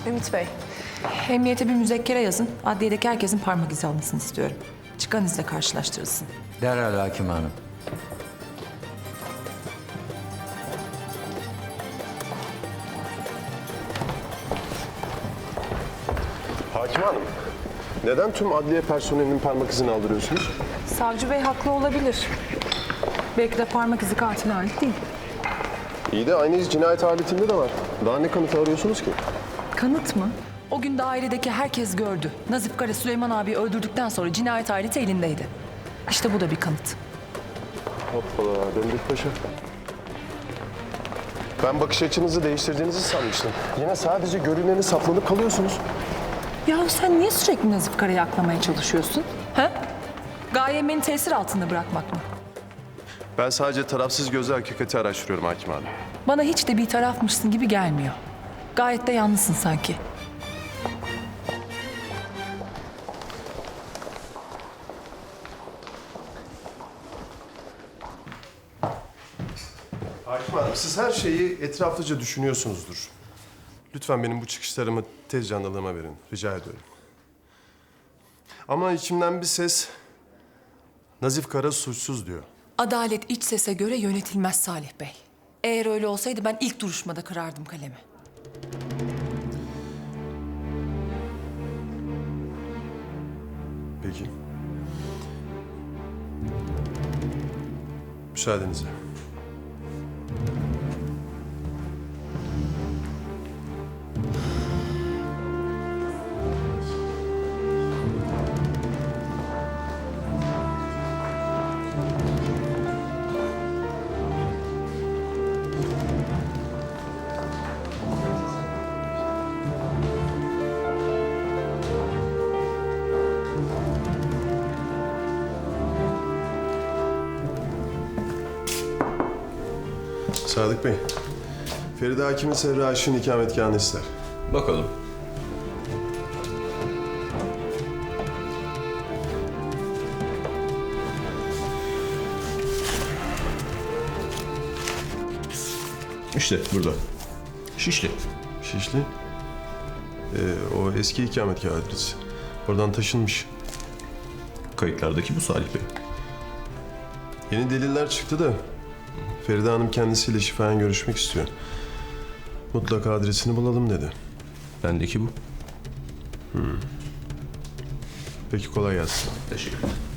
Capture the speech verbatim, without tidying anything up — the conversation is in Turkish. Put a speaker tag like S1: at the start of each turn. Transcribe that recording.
S1: Ümit Bey.
S2: Emniyete bir müzekkere yazın. Adliyedeki herkesin parmak izi alınsın istiyorum. Çıkan izle karşılaştırılsın.
S3: Derhal hakim hanım.
S4: Hakim Hanım, neden tüm adliye personelinin parmak izini aldırıyorsunuz?
S2: Savcı bey haklı olabilir. Belki de parmak izi katile ait değil.
S4: İyi de aynı iz cinayet aletinde de var. Daha ne kanıtı arıyorsunuz ki?
S2: Kanıt mı? O gün dairedeki herkes gördü. Nazif Kara Süleyman abiyi öldürdükten sonra cinayet aleti elindeydi. İşte bu da bir kanıt.
S4: Hoppala, döndük paşa. Ben bakış açınızı değiştirdiğinizi sanmıştım. Yine sadece görüneni saplanıp kalıyorsunuz.
S2: Ya sen niye sürekli Nazif Kara'yı aklamaya çalışıyorsun? Ha? Gayen beni tesir altında bırakmak mı?
S4: Ben sadece tarafsız gözle hakikati araştırıyorum Hakim Hanım.
S2: Bana hiç de bir tarafmışsın gibi gelmiyor. Gayet de yalnızsın sanki.
S4: Hakim Hanım, siz her şeyi etraflıca düşünüyorsunuzdur. Lütfen benim bu çıkışlarımı tez canlılığıma verin. Rica ediyorum. Ama içimden bir ses Nazif Kara suçsuz diyor.
S2: Adalet iç sese göre yönetilmez Salih Bey. Eğer öyle olsaydı ben ilk duruşmada kırardım kalemi.
S4: Peki. Müsaadenizle. Sadık Bey, Feride Hakim'in Serra Aşık'ın ikametgahını ister.
S5: Bakalım. İşte burada. Şişli.
S4: Şişli. Ee, o eski ikametgah adresi. Oradan taşınmış.
S5: Kayıtlardaki bu Salih Bey.
S4: Yeni deliller çıktı da Feride Hanım kendisiyle şifayen görüşmek istiyor. Mutlaka adresini bulalım dedi.
S5: Bendeki bu.
S4: Peki kolay gelsin.
S5: Teşekkür ederim.